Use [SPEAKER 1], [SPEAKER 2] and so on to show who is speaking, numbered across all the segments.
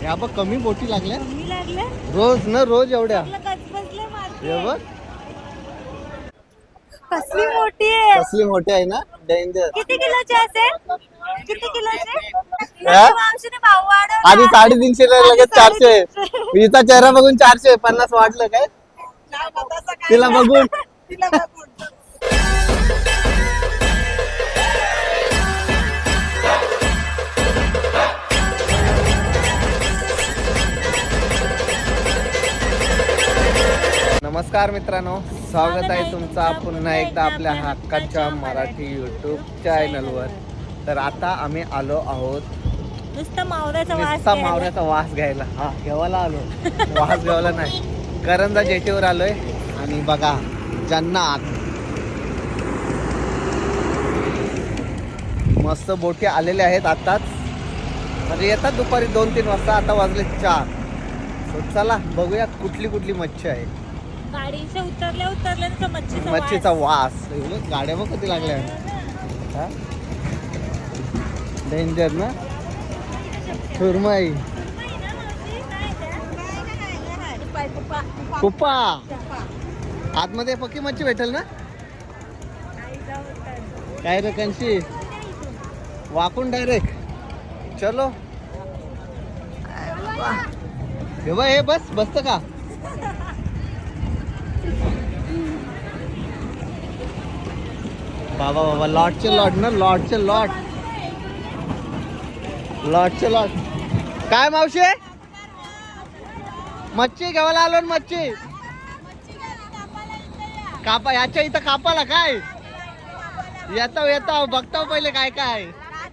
[SPEAKER 1] या बघ कमी बोटी लागल्या
[SPEAKER 2] कमी लागले
[SPEAKER 1] रोज ना रोज एवढ्या
[SPEAKER 2] गजबजले मारते.
[SPEAKER 1] हे बघ
[SPEAKER 2] कसली मोठी आहे.
[SPEAKER 1] कसली मोठी आहे ना डेंजर.
[SPEAKER 2] किती किलोची असेल? किती किलोची?
[SPEAKER 1] हा?
[SPEAKER 2] मावशीने भाव वाढवला.
[SPEAKER 1] आधी 350 ला लगेच 400. हिचा चेहरा बघून 450 वाटलं काय तिला बघून. नमस्कार मित्रांनो, स्वागत आहे तुमचा पुन्हा एकदा आपल्या हक्काच्या मराठी यूट्यूब चॅनलवर. तर आता आम्ही आलो आहोत
[SPEAKER 2] नुसता मावऱ्याचा वास
[SPEAKER 1] नुसता
[SPEAKER 2] घ्यायला.
[SPEAKER 1] मावऱ्याचा वास घ्यायला. हा घेवायला आलो, वास घ्यायला नाही. करंजा जेटीवर आलोय आणि बघा जन्नात मस्त बोटी आलेल्या आहेत आताच, म्हणजे येतात दुपारी 2-3 वाजता. आता वाजले 4. चला बघूया कुठली कुठली मच्छी आहे.
[SPEAKER 2] गाडीच्या उतरल्या
[SPEAKER 1] मच्छीचा वास. गाड्या बघ किती लागल्या डेंजर ना. सुरमई, कुप्पा. आतमध्ये पक्की मच्छी भेटेल ना. काय रे कंशी वाकून डायरेक्ट. चलो हे बघ, हे बस बसत का. बाबा बाबा लॉटचे लॉट ना, लॉटचे लॉट, लॉटचे लॉट. काय मावशे मच्छी घ्यायला आलो ना. मच्छी कापा याच्या इथं कापाला काय. येतो येतो बघतो पहिले काय काय.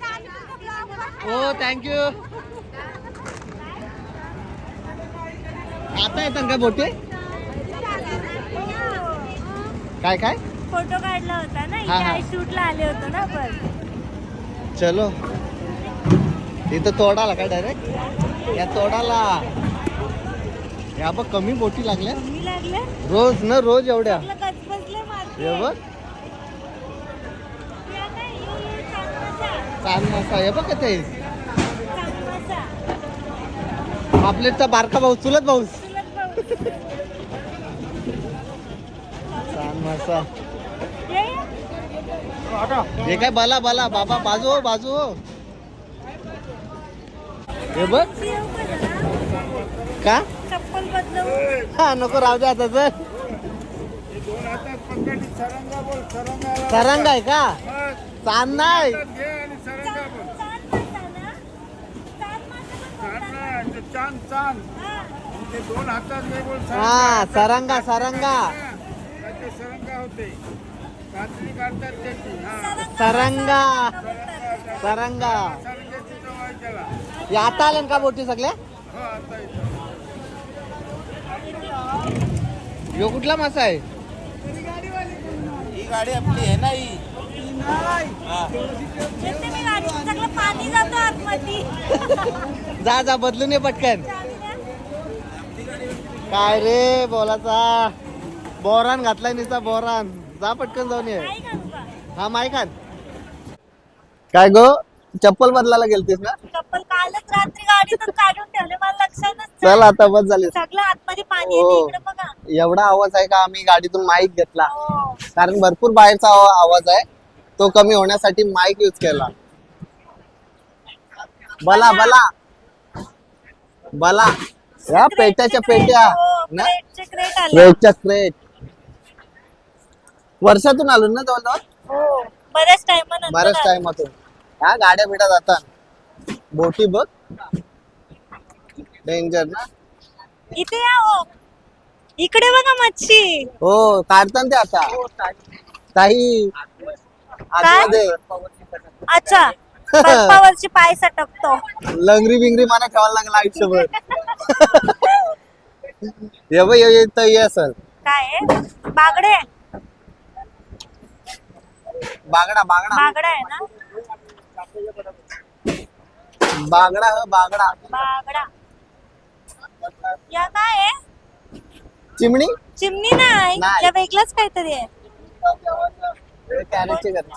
[SPEAKER 1] हो थँक्यू. आता येतात काय बोटे. काय काय
[SPEAKER 2] फोटो काढला होता ना,
[SPEAKER 1] हा, हा.
[SPEAKER 2] इथे शूटला आले होतो ना आपण.
[SPEAKER 1] चलो इथं तोडाला काय डायरेक्ट या तोडाला. या बघ कमी बोटी लागल्या
[SPEAKER 2] कमी लागले
[SPEAKER 1] रोज ना रोज एवढ्या.
[SPEAKER 2] गजबजले मारते.
[SPEAKER 1] हे बघ
[SPEAKER 2] या काय? ये चांगलाचा.
[SPEAKER 1] चांद मासा. हे बघ ते
[SPEAKER 2] चांगलाचा.
[SPEAKER 1] पापलेटचा बारका भाऊ, चुलत भाऊ.
[SPEAKER 2] चुलत भाऊ.
[SPEAKER 1] चांद मासा.
[SPEAKER 2] ये.
[SPEAKER 1] हे काय बला बला बाबा. बाजू हो बाजू हो. हे बघ
[SPEAKER 2] येऊ का जरा?
[SPEAKER 1] का
[SPEAKER 2] चप्पल बदलवू.
[SPEAKER 1] हा नको राहू दे आता. तर सरंग आहे का. चांद नाही. हा सरंगा सरंगा सरंगा सरंगा. या आता आल्या का बोटी सगळ्या. यो कुठला मासा आहे.
[SPEAKER 3] ही गाडी आपली आहे ना. ही
[SPEAKER 2] येते मी गाडीत, सगळं पाणी जातो आतमध्ये.
[SPEAKER 1] जा जा बदलून ये पटकन. काय रे बोलाचा बोरान घातलाय नुसता बोरान. जा पटकन जाऊन ये.
[SPEAKER 2] काय करू का?
[SPEAKER 1] हा माय खान. काय गो चप्पल बदलायला गेलतीस ना.
[SPEAKER 2] चप्पल कालच रात्री गाडीतून काढून ठेवले, मला लक्षातच
[SPEAKER 1] चल आता बस झाली.
[SPEAKER 2] सगळं आतमध्ये पाणी येते.
[SPEAKER 1] हो.
[SPEAKER 2] इकडे बघा.
[SPEAKER 1] एवढा आवाज आहे का. आम्ही गाडीतून माईक घेतला
[SPEAKER 2] हो.
[SPEAKER 1] कारण भरपूर बाहेरचा आवाज आहे. तो कमी होण्यासाठी माईक यूज केला. बला बला बला. या पेट्याच्या पेट्या ना,
[SPEAKER 2] क्रेटचे क्रेट आले.
[SPEAKER 1] क्रेटच्या क्रेट. वर्षातून आलो ना जवळजवळ.
[SPEAKER 2] हो, बऱ्याच टाइम
[SPEAKER 1] बऱ्याच टाइमातून. ह्या गाड्या बिड्या जातात. बोटी बघ डेंजर ना.
[SPEAKER 2] इथे या हो. इकडे बघा मच्छी.
[SPEAKER 1] हो काढतात ते आता काही आतमध्ये.
[SPEAKER 2] अच्छा, बर्फावरची पाय सटकतो.
[SPEAKER 1] लंगरी बिंगरी मला ठेवायला लागला आयुष्यभर. हे बघ हे असल
[SPEAKER 2] काय आहे? बागडे.
[SPEAKER 1] बागडा बागडा
[SPEAKER 2] बागडा आहे ना.
[SPEAKER 1] बागडा बागडा.
[SPEAKER 2] बागडा. या काय आहे?
[SPEAKER 1] चिमणी
[SPEAKER 2] चिमणी नाही,
[SPEAKER 1] नाही.
[SPEAKER 2] या वेगळंच काहीतरी आहे.
[SPEAKER 1] कॅरेटचे कर.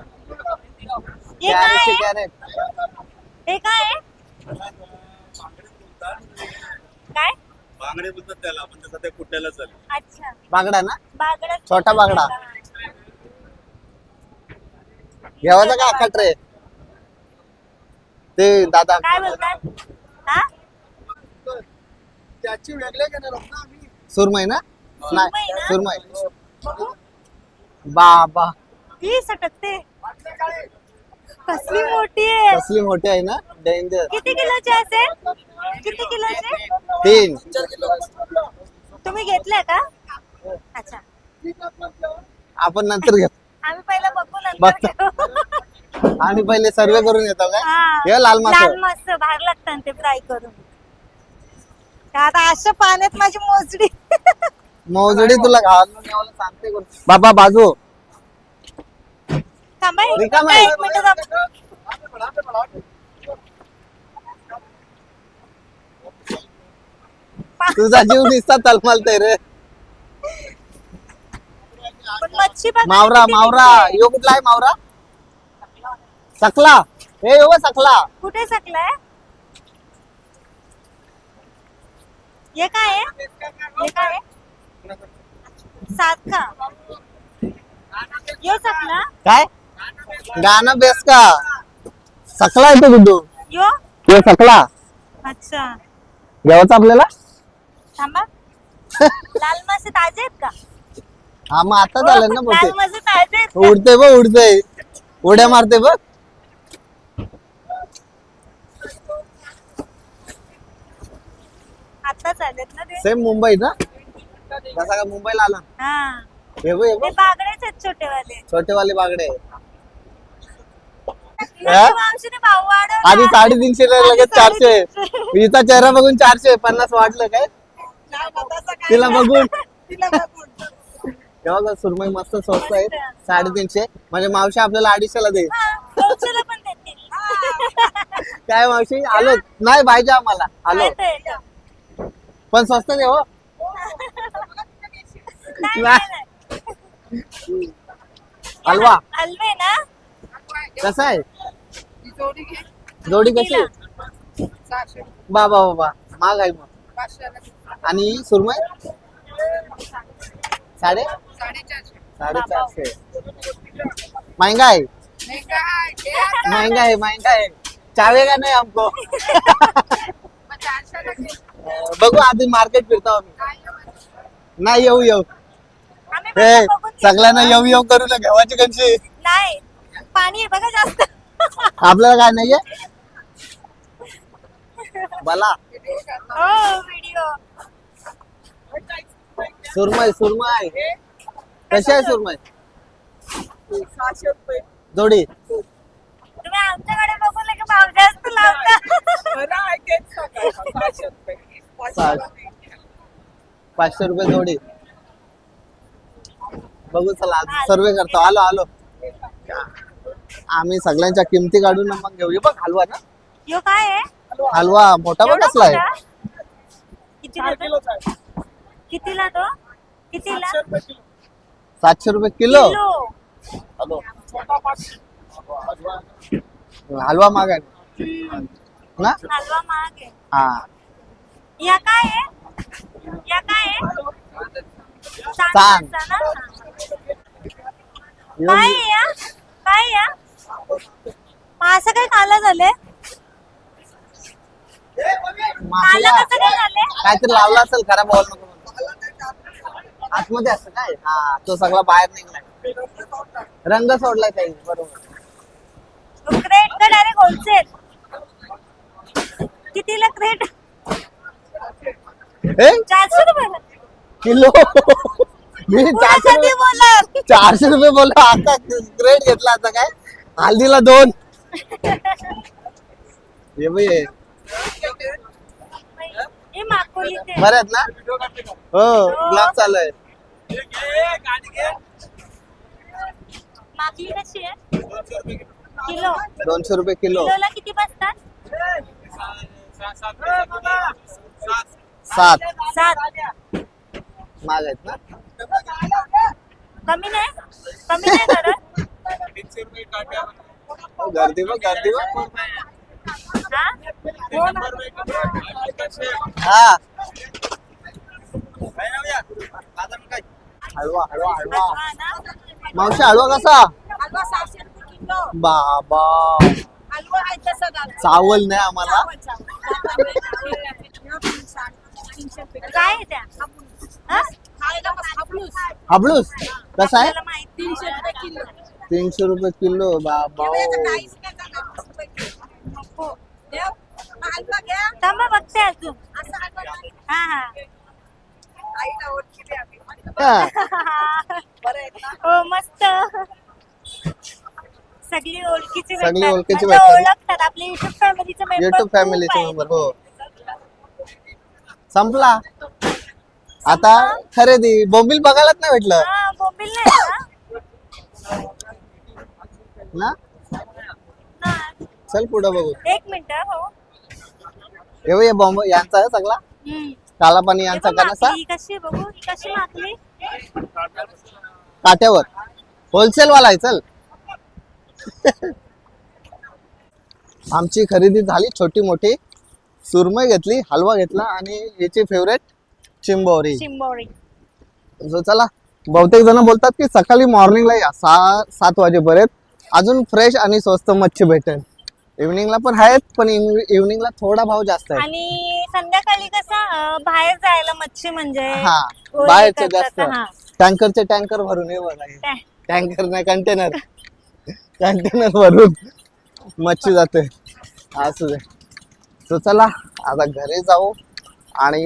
[SPEAKER 2] हे काय
[SPEAKER 1] कॅरेटचे
[SPEAKER 2] आहे?
[SPEAKER 1] कॅरेट.
[SPEAKER 2] हे काय आहे?
[SPEAKER 3] बांगडे बोलतात त्याला, आपण तसं ते कुट्याला चालेल.
[SPEAKER 2] अच्छा
[SPEAKER 1] बागडा ना,
[SPEAKER 2] बागडा.
[SPEAKER 1] छोटा बागडा. घ्यावाचा का अख्खा ट्रे? ते दादा
[SPEAKER 2] काय बोलतात हा
[SPEAKER 3] त्याची वेगळे घेणार आहोत ना आम्ही.
[SPEAKER 1] सुरमई ना,
[SPEAKER 2] सुरमई
[SPEAKER 1] नाही
[SPEAKER 2] ना?
[SPEAKER 1] सुरमई.
[SPEAKER 2] बघू
[SPEAKER 1] बाबा
[SPEAKER 2] ती सटकते. कसली मोठी आहे.
[SPEAKER 1] कसली मोठी आहे ना, डेंजर.
[SPEAKER 2] किती किलोची असेल? किती किलोची?
[SPEAKER 1] 3.
[SPEAKER 2] तुम्ही घेतलंय का? अच्छा
[SPEAKER 1] आपण नंतर घेऊ.
[SPEAKER 2] आम्ही पहिला बघू नंतर
[SPEAKER 1] बघतो.
[SPEAKER 2] घेऊ.
[SPEAKER 1] आम्ही पहिले सर्वे करून येतो काय.
[SPEAKER 2] हा.
[SPEAKER 1] हे लाल मासा.
[SPEAKER 2] लाल मासे भारी लागतात ते फ्राय करून. आता अशा पाण्यात माझी मोजडी.
[SPEAKER 1] मोजडी तुला घालून सांगते कोण? बाबा बाजू
[SPEAKER 2] थांबा एक
[SPEAKER 1] रिकामा
[SPEAKER 2] मिनिट,
[SPEAKER 1] आहे.
[SPEAKER 2] एक मिनिट थांबा.
[SPEAKER 1] तुझा जीव दिसता तलमलतय रे.
[SPEAKER 2] पण मच्छी बघा
[SPEAKER 1] मावरा
[SPEAKER 2] किती
[SPEAKER 1] मावरा
[SPEAKER 2] दिसते.
[SPEAKER 1] यो कुठला आहे मावरा? सकला. हे यो सकला.
[SPEAKER 2] कुठे सकलाय? हे काय आहे? हे काय आहे? सात का? यो सकला?
[SPEAKER 1] काय गाणं बेस का? सकला आहे तो गुड्डू.
[SPEAKER 2] यो?
[SPEAKER 1] यो सकला
[SPEAKER 2] अच्छा
[SPEAKER 1] घ्यावाचा आपल्याला.
[SPEAKER 2] थांबा. लाल मासे ताजे आहेत का?
[SPEAKER 1] हा मग आता झालं ना
[SPEAKER 2] लाल
[SPEAKER 1] बोलते.
[SPEAKER 2] मासे ताजे आहेत का?
[SPEAKER 1] उडते बघ उडते, उड्या मारते बघ.
[SPEAKER 2] आत्ताच आलेत ना ते?
[SPEAKER 1] सेम मुंबई ना, जसा का मुंबईला आला.
[SPEAKER 2] हा
[SPEAKER 1] हे बघ, हे
[SPEAKER 2] ते
[SPEAKER 1] बघ
[SPEAKER 2] बागडेच आहेत छोटेवाले.
[SPEAKER 1] छोटेवाले बागडे.
[SPEAKER 2] माझ्या मावशीने भाव वाढवला.
[SPEAKER 1] आधी 350 ला लगेच 400. हिचा चेहरा बघून 450 वाटलं काय तिला बघून. तेव्हा सुरमई मस्त स्वस्त आहे. 350 म्हणजे मावशी आपल्याला 250 ला दे.
[SPEAKER 2] हा, 200 पण देतील.
[SPEAKER 1] काय मावशी आलो नाही पाहिजे आम्हाला आलो,
[SPEAKER 2] येतं, येतं.
[SPEAKER 1] पण स्वस्त दे हो.
[SPEAKER 2] नाही, नाही.
[SPEAKER 1] हलवा
[SPEAKER 2] हलवे ना
[SPEAKER 1] कसा आहे? जोडी कशी आहे? बाबा बाबा महाग आहे मग. आणि सुरमई 450. महंगा है, महंगा है, महंगा है. चावेगा नाही हमको. बघू आधी मार्केट फिरतो आम्ही. नाही येऊ येऊ
[SPEAKER 2] आम्ही
[SPEAKER 1] हे
[SPEAKER 2] पण बघून घेतो.
[SPEAKER 1] सगळ्यांना येऊ येऊ करू ना घेवाची कशी.
[SPEAKER 2] नाही पाणी आहे बघा जास्त.
[SPEAKER 1] आपल्याला काय नाहीये बला.
[SPEAKER 2] हो व्हिडिओ.
[SPEAKER 1] सुरमई सुरमई कशी आहे सुरमई?
[SPEAKER 3] 600 रुपये.
[SPEAKER 1] जोडी
[SPEAKER 2] तुम्ही आमच्याकडे बघून की भाव जास्त लावता.
[SPEAKER 3] मला आहे तेच सांगा. 600 रुपये.
[SPEAKER 1] 500 रुपये जोडी. बघू चला सर्वे करतो. आलो आलो आम्ही सगळ्यांच्या किमती काढून मग घेऊ. बघ हलवा ना,
[SPEAKER 2] यो काय आहे?
[SPEAKER 1] हलवा मोठा बघ
[SPEAKER 2] एवढा
[SPEAKER 1] कसला आहे.
[SPEAKER 2] मोठा? कितीला
[SPEAKER 3] 4
[SPEAKER 2] तो?
[SPEAKER 3] किलोचा आहे.
[SPEAKER 2] कितीला तो? कितीला?
[SPEAKER 3] 700 रुपये किलो.
[SPEAKER 1] 700 रुपये किलो.
[SPEAKER 2] किलो.
[SPEAKER 3] छोटा 500.
[SPEAKER 1] हलवा महाग आहे ना.
[SPEAKER 2] हलवा महाग आहे.
[SPEAKER 1] हा
[SPEAKER 2] या काय आहे? या काय आहे?
[SPEAKER 1] सांग.
[SPEAKER 2] सांग ना. काय आहे या? काय आहे या? मग असं काय खायला झाले?
[SPEAKER 1] मासाला
[SPEAKER 2] खायला कसं काय झाले?
[SPEAKER 1] काहीतरी लावला असेल खराब बॉल नको म्हणून. आतमध्ये असं काय हा तो सगळा बाहेर निघलाय. रंग सोडलाय काही बरोबर.
[SPEAKER 2] क्रेट का डायरेक्ट होलसेल? कितीला क्रेट?
[SPEAKER 1] हे
[SPEAKER 2] 400 रुपये.
[SPEAKER 1] किलो. मी 400
[SPEAKER 2] कधी बोलाल?
[SPEAKER 1] 400 रुपये बोललो. आता ग्रेड घेतला आता काय हल्दीला 2. हे बाई
[SPEAKER 2] हे माकोली ते.
[SPEAKER 1] बरे आहेत ना. हो ब्लॉग चालू आहे.
[SPEAKER 2] माकली कशी आहे? किलो.
[SPEAKER 1] 200 रुपये किलो.
[SPEAKER 2] किलोला किती बसतात?
[SPEAKER 1] 7
[SPEAKER 2] 7.
[SPEAKER 1] महाग आहेत ना.
[SPEAKER 2] कमी नाही? कमी नाही करत?
[SPEAKER 1] गर्दी बघ गर्दी बघ.
[SPEAKER 2] हा?
[SPEAKER 1] हा हलवा हलवा हलवा
[SPEAKER 2] हलवा ना?
[SPEAKER 1] मावशी हलवा कसा
[SPEAKER 2] हलवा 600 रुपये किलो.
[SPEAKER 1] बाबा
[SPEAKER 2] हलवा आहे तसा दादा.
[SPEAKER 1] चावल नाही आम्हाला
[SPEAKER 2] काय आहे त्या? हा?
[SPEAKER 1] हाबळूस कसा आहे
[SPEAKER 2] आपल्याला माहिती 300 रुपये किलो.
[SPEAKER 1] 300 रुपये किलो बाबा
[SPEAKER 2] थांबा बघते अजून. हा हा
[SPEAKER 1] हा.
[SPEAKER 2] हो मस्त. सगळी ओळखीची
[SPEAKER 1] सगळी
[SPEAKER 2] भेटतात.
[SPEAKER 1] ओळखीची
[SPEAKER 2] म्हणजे
[SPEAKER 1] भेटतात.
[SPEAKER 2] ओळखतात आपली युट्यूब फॅमिलीचे मेंबर.
[SPEAKER 1] युट्यूब फॅमिलीचे मेंबर हो संपला आता खरेदी बोंबील बघायलाच नाही भेटलं
[SPEAKER 2] हा बोंबील नाही
[SPEAKER 1] ना
[SPEAKER 2] ना?
[SPEAKER 1] चल पुढे बघू
[SPEAKER 2] एक मिनिट हो.
[SPEAKER 1] हे बॉम्ब यांचा आहे सगळा काला पाणी यांचा का नसा
[SPEAKER 2] ही कशी बघू, ही कशी मागली?
[SPEAKER 1] काट्यावर होलसेल वाला आहे चल आमची खरेदी झाली छोटी मोठी सुरमई घेतली हलवा घेतला आणि याची फेवरेट चिंबोरी
[SPEAKER 2] चिंबोरी.
[SPEAKER 1] So, चला बहुतेक जण बोलतात की सकाळी मॉर्निंगला या 7 वाजेपर्यंत अजून फ्रेश आणि स्वस्त मच्छी भेटेल इव्हनिंगला पण आहेत पण इव्हनिंगला थोडा भाव जास्त आहे
[SPEAKER 2] आणि संध्याकाळी कसं बाहेर जायला मच्छी म्हणजे
[SPEAKER 1] हा
[SPEAKER 2] ओले
[SPEAKER 1] बाहेरचे
[SPEAKER 2] करतात,
[SPEAKER 1] जास्त
[SPEAKER 2] हा.
[SPEAKER 1] टँकरचे टँकर भरून ये बघा
[SPEAKER 2] काय?
[SPEAKER 1] टँकर नाही कंटेनर कंटेनर भरून मच्छी जाते असू दे तो चला आता घरी जाऊ आणि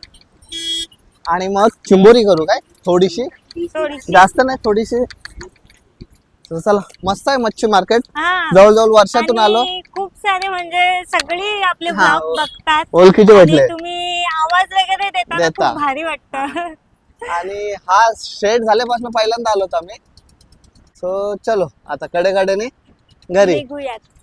[SPEAKER 1] मग चिंबोरी करू काय थोडीशी
[SPEAKER 2] थोडीशी.
[SPEAKER 1] जास्त नाही थोडीशी तो चला मस्त आहे मच्छी मार्केट
[SPEAKER 2] हा.
[SPEAKER 1] जवळजवळ वर्षातून आलो
[SPEAKER 2] आणि खूप सारे म्हणजे सगळी आपले
[SPEAKER 1] हा.
[SPEAKER 2] ब्लॉग बघतात
[SPEAKER 1] ओळखीचे
[SPEAKER 2] आणि
[SPEAKER 1] भेटले
[SPEAKER 2] तुम्ही आवाज वगैरे देता ना,
[SPEAKER 1] देता.
[SPEAKER 2] खूप भारी वाटतं.
[SPEAKER 1] आणि हा शेड झाल्यापासून पहिल्यांदा आलो आम्ही सो चलो आता कडेकडेने घरी
[SPEAKER 2] निघूयात.